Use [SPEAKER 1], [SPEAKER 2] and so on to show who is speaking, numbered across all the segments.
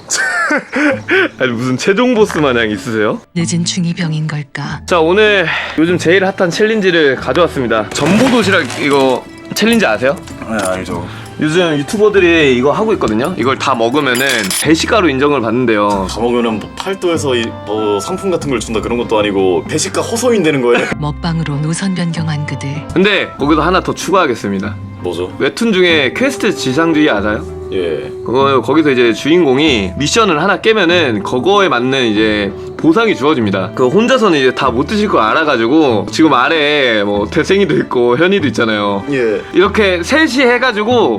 [SPEAKER 1] 아니 무슨 최종 보스 마냥 있으세요?
[SPEAKER 2] 늦은 중2병인 걸까?
[SPEAKER 1] 자, 오늘 요즘 제일 핫한 챌린지를 가져왔습니다. 전보 도시락 이거 챌린지 아세요?
[SPEAKER 3] 네, 알죠.
[SPEAKER 1] 요즘 유튜버들이 이거 하고 있거든요. 이걸 다 먹으면은 배식가로 인정을 받는데요.
[SPEAKER 3] 다 먹으면 뭐 팔도에서 뭐 상품 같은 걸 준다 그런 것도 아니고 배식가 허소인 되는 거예요?
[SPEAKER 2] 먹방으로 노선 변경한 그들.
[SPEAKER 1] 근데 거기서 하나 더 추가하겠습니다.
[SPEAKER 3] 뭐죠?
[SPEAKER 1] 웹툰 중에 퀘스트 지상주의 알아요?
[SPEAKER 3] 예.
[SPEAKER 1] 거기서 이제 주인공이 미션을 하나 깨면은 그거에 맞는 이제 보상이 주어집니다. 그 혼자서는 이제 다 못 드실 거 알아가지고 지금 아래에 뭐 태생이도 있고 현이도 있잖아요.
[SPEAKER 3] 예.
[SPEAKER 1] 이렇게 셋이 해가지고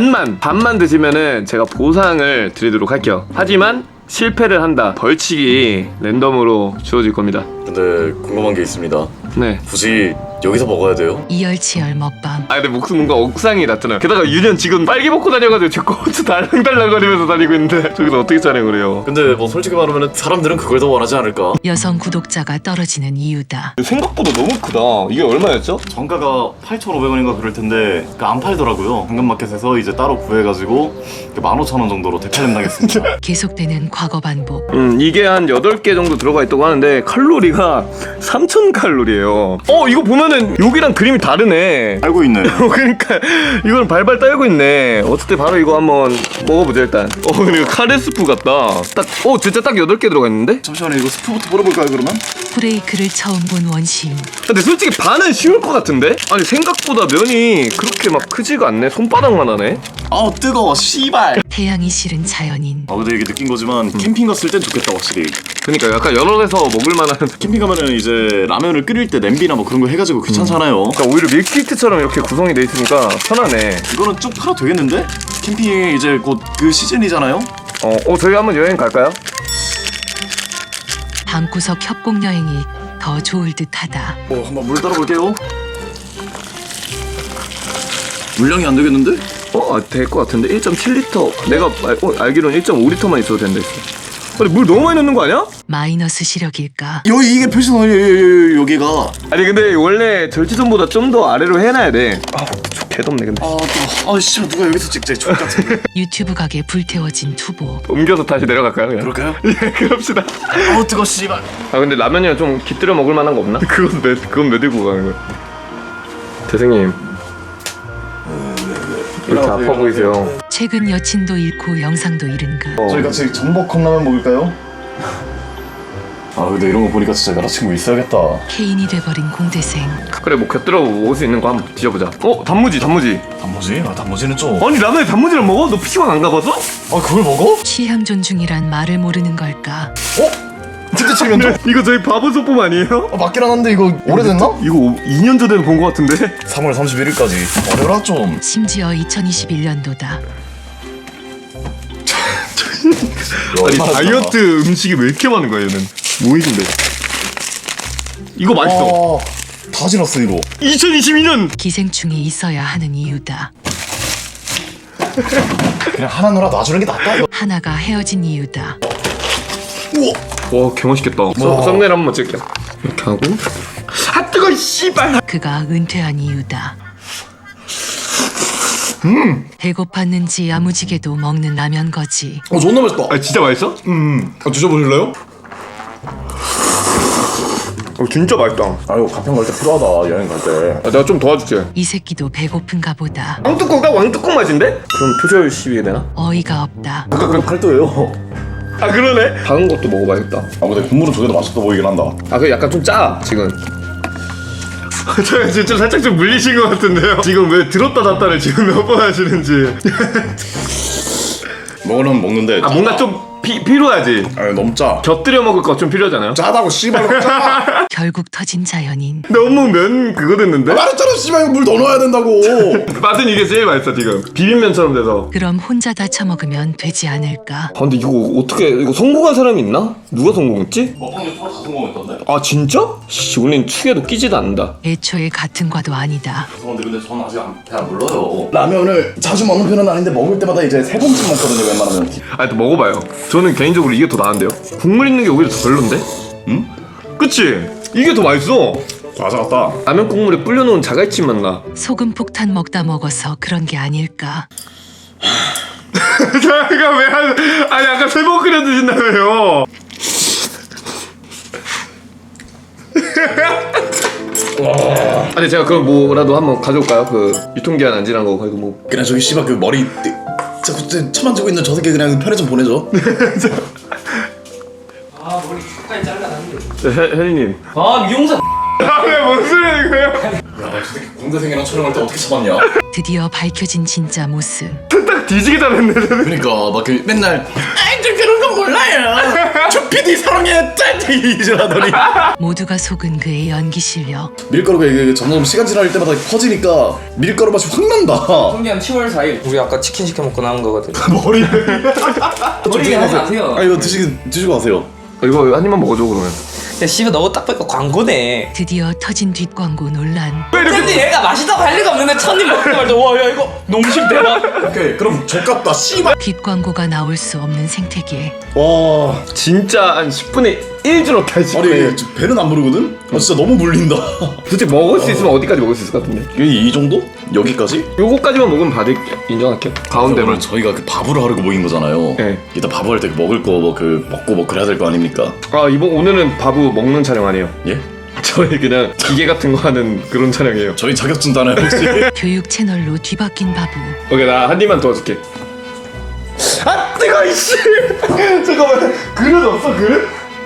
[SPEAKER 1] 반만 드시면은 제가 보상을 드리도록 할게요. 하지만 실패를 한다, 벌칙이 랜덤으로 주어질 겁니다.
[SPEAKER 3] 근데 궁금한 게 있습니다.
[SPEAKER 1] 네.
[SPEAKER 3] 굳이 여기서 먹어야 돼요?
[SPEAKER 2] 이열치열 먹방.
[SPEAKER 1] 아 근데 목숨 뭔가 억상이 났잖아요. 게다가 유년 지금 빨개 먹고 다녀가지고 제 고추 달랑달랑거리면서 다니고 있는데 저기서 어떻게 촬영을 해요?
[SPEAKER 3] 근데 뭐 솔직히 말하면 사람들은 그걸 더 원하지 않을까?
[SPEAKER 2] 여성 구독자가 떨어지는 이유다.
[SPEAKER 1] 생각보다 너무 크다. 이게 얼마였죠?
[SPEAKER 3] 정가가 8,500원인가 그럴 텐데 안 팔더라고요. 당근마켓에서 이제 따로 구해가지고 15,000원 정도로 대팔림 당했습니다.
[SPEAKER 2] 계속되는 과거 반복.
[SPEAKER 1] 이게 한 8개 정도 들어가 있다고 하는데 칼로리가 3000칼로리예요. 이거 보면은 여기랑 그림이 다르네.
[SPEAKER 3] 알고 있네.
[SPEAKER 1] 그러니까 이거는 발발 떨고 있네. 어쨌든 바로 이거 한번 먹어보자 일단. 근데 이거 카레스프 같다. 진짜 딱 8개 들어가 있는데?
[SPEAKER 3] 잠시만요. 이거 스프부터 물어볼까요 그러면?
[SPEAKER 2] 브레이크를 처음 본 원심.
[SPEAKER 1] 근데 솔직히 반은 쉬울 것 같은데? 아니 생각보다 면이 그렇게 막 크지가 않네. 손바닥만 하네.
[SPEAKER 3] 아우 뜨거워 씨발.
[SPEAKER 2] 태양이 싫은 자연인.
[SPEAKER 3] 근데 이게 느낀 거지만 캠핑 갔을 땐 좋겠다 확실히.
[SPEAKER 1] 그러니까 약간 여러 데서 먹을 만한.
[SPEAKER 3] 캠핑 가면은 이제 라면을 끓일 때 냄비나 뭐 그런 거 해가지고 귀찮잖아요.
[SPEAKER 1] 그러니까 오히려 밀키트처럼 이렇게 구성이 돼 있으니까 편하네.
[SPEAKER 3] 이거는 쭉 팔아도 되겠는데? 캠핑이 이제 곧 그 시즌이잖아요?
[SPEAKER 1] 저희 한번 여행 갈까요?
[SPEAKER 2] 방구석 협곡 여행이 더 좋을 듯하다.
[SPEAKER 3] 한번 물 따라 볼게요. 물량이 안 되겠는데?
[SPEAKER 1] 될 것 같은데 1.7리터. 내가 알기로는 1.5리터만 있어도 된다 했어. 아니 물 너무 많이 넣는 거 아니야?
[SPEAKER 2] 마이너스 시력일까?
[SPEAKER 3] 여기 이게 표시선 여기가.
[SPEAKER 1] 아니 근데 원래 절지선보다 좀 더 아래로 해놔야 돼. 개덥네 근데.
[SPEAKER 3] 씨 누가 여기서 찍지? 족 같은.
[SPEAKER 2] 유튜브 가게 불태워진 투보.
[SPEAKER 1] 옮겨서 다시 내려갈까요 그냥?
[SPEAKER 3] 그럴까요?
[SPEAKER 1] 예, 그럽시다.
[SPEAKER 3] 뜨거 씨발.
[SPEAKER 1] 근데 라면이랑 좀 깃들여 먹을 만한 거 없나? 그건 왜 들고 가는 거야? 대생님 왜 이렇게 아파 보이세요?
[SPEAKER 2] 최근 여친도 잃고 영상도 잃은 그.
[SPEAKER 3] 저희 같이 전복 컵라면 먹을까요? 근데 이런 거 보니까 진짜 여자친구 있어야겠다.
[SPEAKER 2] 케인이 돼버린 공대생.
[SPEAKER 1] 그래 뭐 곁들여 먹을 수 있는 거 한번 뒤져보자. 단무지.
[SPEAKER 3] 단무지? 단무지는 좀.
[SPEAKER 1] 아니 라면에 단무지를 먹어? 너 피시방 안 가봐서?
[SPEAKER 3] 그걸 먹어?
[SPEAKER 2] 취향 존중이란 말을 모르는 걸까?
[SPEAKER 3] 진짜 칠면조?
[SPEAKER 1] 이거 저희 바보 소품 아니에요?
[SPEAKER 3] 맞긴 한데 이거 오래됐나?
[SPEAKER 1] 이거 2년 전에 본 거 같은데?
[SPEAKER 3] 3월 31일까지 어려라 좀.
[SPEAKER 2] 심지어 2021년도다.
[SPEAKER 1] 아니 다이어트 음식이 왜 이렇게 많은 거야 얘는? 뭐이신데? 이거 맛있어.
[SPEAKER 3] 다 지났어 이거.
[SPEAKER 1] 2022년!
[SPEAKER 2] 기생충이 있어야 하는 이유다.
[SPEAKER 3] 그냥 하나 놀아 놔주는 게 낫다 이거.
[SPEAKER 2] 하나가 헤어진 이유다.
[SPEAKER 3] 우와.
[SPEAKER 1] 와 개맛있겠다. 썸네일 한번 찍을게요. 이렇게 하고 뜨거 씨발.
[SPEAKER 2] 그가 은퇴한 이유다. 배고팠는지 야무지게도 먹는 라면 거지.
[SPEAKER 3] 존나 맛있다.
[SPEAKER 1] 진짜 맛있어?
[SPEAKER 3] 드셔보실래요?
[SPEAKER 1] 진짜 맛있다.
[SPEAKER 3] 아유 가평 갈 때 필요하다 여행 갈 때.
[SPEAKER 1] 내가 좀 도와줄게.
[SPEAKER 2] 이 새끼도 배고픈가 보다.
[SPEAKER 1] 왕뚜껑 왕뚜껑 맛인데? 그럼 표절 시비가 되나?
[SPEAKER 2] 어이가 없다.
[SPEAKER 3] 그럼 팔도예요.
[SPEAKER 1] 그러네. 작은 것도 먹어봐야겠다.
[SPEAKER 3] 근데 국물은 저게 더 맛있어 보이긴 한다.
[SPEAKER 1] 그 약간 좀 짜 지금. 저 진짜 살짝 좀 물리신 것 같은데요. 지금 왜 들었다 놨다를 지금 몇 번 하시는지.
[SPEAKER 3] 먹으려면 먹는데.
[SPEAKER 1] 뭔가 좀 필요하지.
[SPEAKER 3] 너무 짜.
[SPEAKER 1] 곁들여 먹을 거 좀 필요하잖아요.
[SPEAKER 3] 짜다고 씨발 짜.
[SPEAKER 2] 결국 터진 자연인.
[SPEAKER 1] 너무 면 그거 됐는데?
[SPEAKER 3] 말했잖아 씨발 이거 물 더 넣어야 된다고.
[SPEAKER 1] 맛은 이게 제일 맛있어 지금. 비빔면처럼 돼서.
[SPEAKER 2] 그럼 혼자 다 처먹으면 되지 않을까?
[SPEAKER 1] 근데 이거 어떻게 이거 성공한 사람이 있나? 누가 성공했지?
[SPEAKER 3] 먹방 유튜버 다 성공했던데?
[SPEAKER 1] 진짜? 우린 축에도 끼지도 않는다.
[SPEAKER 2] 애초에 같은 과도 아니다.
[SPEAKER 3] 죄송한데 근데 저는 아직 잘 몰라요. 라면을 자주 먹는 편은 아닌데 먹을 때마다 이제 3번씩 먹거든요 웬만하면.
[SPEAKER 1] 또 먹어봐요. 저는 개인적으로 이게 더 나은데요. 국물 있는 게 오히려 더 별론데?
[SPEAKER 3] 응?
[SPEAKER 1] 그치? 이게 더 맛있어.
[SPEAKER 3] 과자 같다.
[SPEAKER 1] 라면 국물에 불려놓은 자갈치 맛나.
[SPEAKER 2] 소금 폭탄 먹다 먹어서 그런 게 아닐까?
[SPEAKER 1] 잠깐 아니 아까 3번 끓여 드신다며요. 아니 제가 그럼 뭐라도 한번 가져올까요? 그 유통기한 안 지난 거 그리고 뭐
[SPEAKER 4] 그냥 저기 씨발 그 머리 자꾸 쳐 만지고 있는 저 새끼 그냥 편의점 보내줘.
[SPEAKER 5] 아 머리 끝까지 잘라놨는데.
[SPEAKER 1] 혜리님.
[SPEAKER 5] 아 미용사.
[SPEAKER 1] 왜 뭔 소리야 이거요?
[SPEAKER 4] 야저 새끼 공대생이랑 촬영할 때 어떻게 참았냐?
[SPEAKER 2] 드디어 밝혀진 진짜 모습.
[SPEAKER 1] 딱 뒤지게 잘했네.
[SPEAKER 4] 그러니까 막 그 맨날 아이 저 그런 건 몰라요. 저 PD 사랑해 짤 이러더니
[SPEAKER 2] 모두가 속은 그의 연기 실력.
[SPEAKER 4] 밀가루가 이게 점점 시간 지날 때마다 퍼지니까 밀가루 맛이 확 난다.
[SPEAKER 5] 통계한 10월 4일. 우리 아까 치킨 시켜 먹고 남은 거거든.
[SPEAKER 4] 머리.
[SPEAKER 5] 머리 하지 마세요.
[SPEAKER 4] 아 이거 드시고 가세요.
[SPEAKER 1] 이거 한 입만 먹어줘 그러면.
[SPEAKER 5] 야 씨발 너딱 보니까 광고네.
[SPEAKER 2] 드디어 터진 뒷광고 논란.
[SPEAKER 5] 근데 얘가 맛있다고 할 리가 없는데 첫입 먹자마자 와야 이거 농심 대박.
[SPEAKER 4] 오케이 그럼 족같다 씨발.
[SPEAKER 2] 뒷광고가 나올 수 없는 생태계.
[SPEAKER 4] 와
[SPEAKER 1] 진짜 한 10분의 1 줄었다 10분의
[SPEAKER 4] 아니 지금 배는 안 부르거든? 아 진짜 너무 물린다.
[SPEAKER 1] 도대체 먹을 수 있으면 어디까지 먹을 수 있을 것 같은데?
[SPEAKER 4] 이 정도? 여기까지?
[SPEAKER 1] 요거까지만 먹으면 받을게요. 인정할게요. 가운데만.
[SPEAKER 4] 오늘 저희가 그 밥으로 하려고 모인 거잖아요.
[SPEAKER 1] 네.
[SPEAKER 4] 이따 밥을 할 때 먹을 거 뭐 그 먹고 뭐 그래야 될 거 아닙니까?
[SPEAKER 1] 아 오늘은 바보 먹는 촬영 아니에요.
[SPEAKER 4] 예?
[SPEAKER 1] 저희 그냥 기계 같은 거 하는 그런 촬영이에요.
[SPEAKER 4] 저희 자격증 따나요 혹시?
[SPEAKER 2] 교육 채널로 뒤바뀐 바보.
[SPEAKER 1] 오케이 나 한 입만 도와줄게. 아 뜨거 이씨. 잠깐만 그릇 없어 그릇?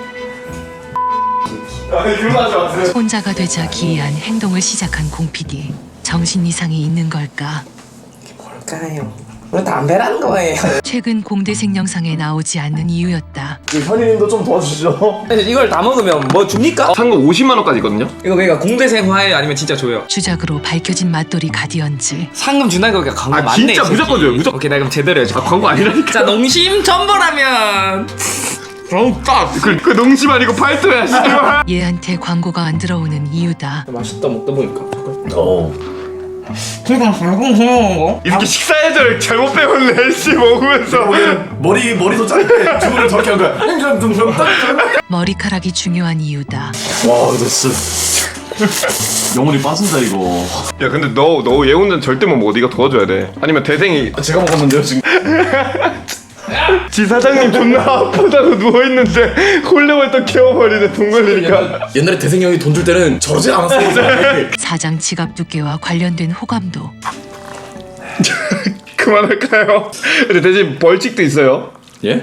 [SPEAKER 1] 아니 그거 하지 마세요.
[SPEAKER 2] 혼자가 되자 기이한 행동을 시작한 공 PD. 정신 이상이 있는 걸까?
[SPEAKER 5] 뭘까요? 왜 담배라는 거예요?
[SPEAKER 2] 최근 공대생 영상에 나오지 않는 이유였다.
[SPEAKER 4] 현이님도 좀 도와주시죠.
[SPEAKER 5] 이걸 다 먹으면 뭐 줍니까?
[SPEAKER 1] 상금 50만 원까지 있거든요.
[SPEAKER 5] 이거 그러니까 공대생화예요 아니면 진짜 줘요?
[SPEAKER 2] 주작으로 밝혀진 맛돌이 가디언즈.
[SPEAKER 5] 상금 준다니까 그러니까 광고
[SPEAKER 1] 아,
[SPEAKER 5] 맞네.
[SPEAKER 1] 진짜
[SPEAKER 5] 이 새끼.
[SPEAKER 1] 무조건 줘요, 무조건.
[SPEAKER 5] 오케이 나 그럼 제대로 해줘.
[SPEAKER 1] 광고 아니라니까.
[SPEAKER 5] 자 농심 전보라면.
[SPEAKER 1] 그 농심 아니고 팔도야 씨발.
[SPEAKER 2] 얘한테 광고가 안 들어오는 이유다.
[SPEAKER 5] 맛있다 먹다 보니까.
[SPEAKER 2] 그러니까
[SPEAKER 5] 그냥 방금 해먹은 거?
[SPEAKER 1] 이렇게 식사 예절 잘못 배웠네 씨 먹으면서.
[SPEAKER 4] 머리도 짧게 주문을 저렇게 한 거야.
[SPEAKER 2] 머리카락이 중요한 이유다.
[SPEAKER 4] 와 근데 진짜 영혼이 빠진다 이거.
[SPEAKER 1] 야 근데 너 얘 혼자 절대 못 먹어. 네가 도와줘야 돼. 아니면 대생이
[SPEAKER 4] 제가 먹었는데요 지금.
[SPEAKER 1] 지 사장님 존나 아프다고 누워있는데 홀레벌떡 깨워버리네 돈 걸리니까.
[SPEAKER 4] 옛날에 대생 형이 돈 줄 때는 저러지 않았어요.
[SPEAKER 2] 사장 지갑 두께와 관련된 호감도.
[SPEAKER 1] 그만할까요? 근데 대신 벌칙도 있어요.
[SPEAKER 4] 예?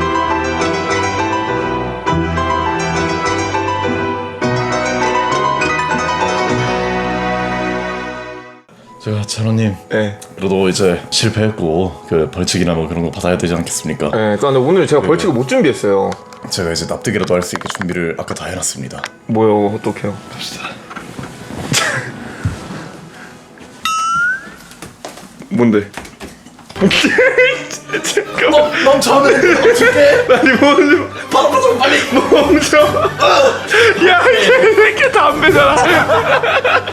[SPEAKER 4] 제가 찬호님
[SPEAKER 1] 네.
[SPEAKER 4] 그래도 이제 실패했고 그 벌칙이나 뭐 그런 거 받아야 되지 않겠습니까?
[SPEAKER 1] 네, 근데 오늘 제가 벌칙을 못 준비했어요.
[SPEAKER 4] 제가 이제 납득이라도 할 수 있게 준비를 아까 다 해놨습니다.
[SPEAKER 1] 뭐요? 어떡해요? 갑시다. 뭔데? 잠깐만.
[SPEAKER 4] 멈춰! 줄게!
[SPEAKER 1] 아니 멈춰.
[SPEAKER 4] 바로 좀 빨리!
[SPEAKER 1] 멈춰. 야, 이 새끼 담배잖아.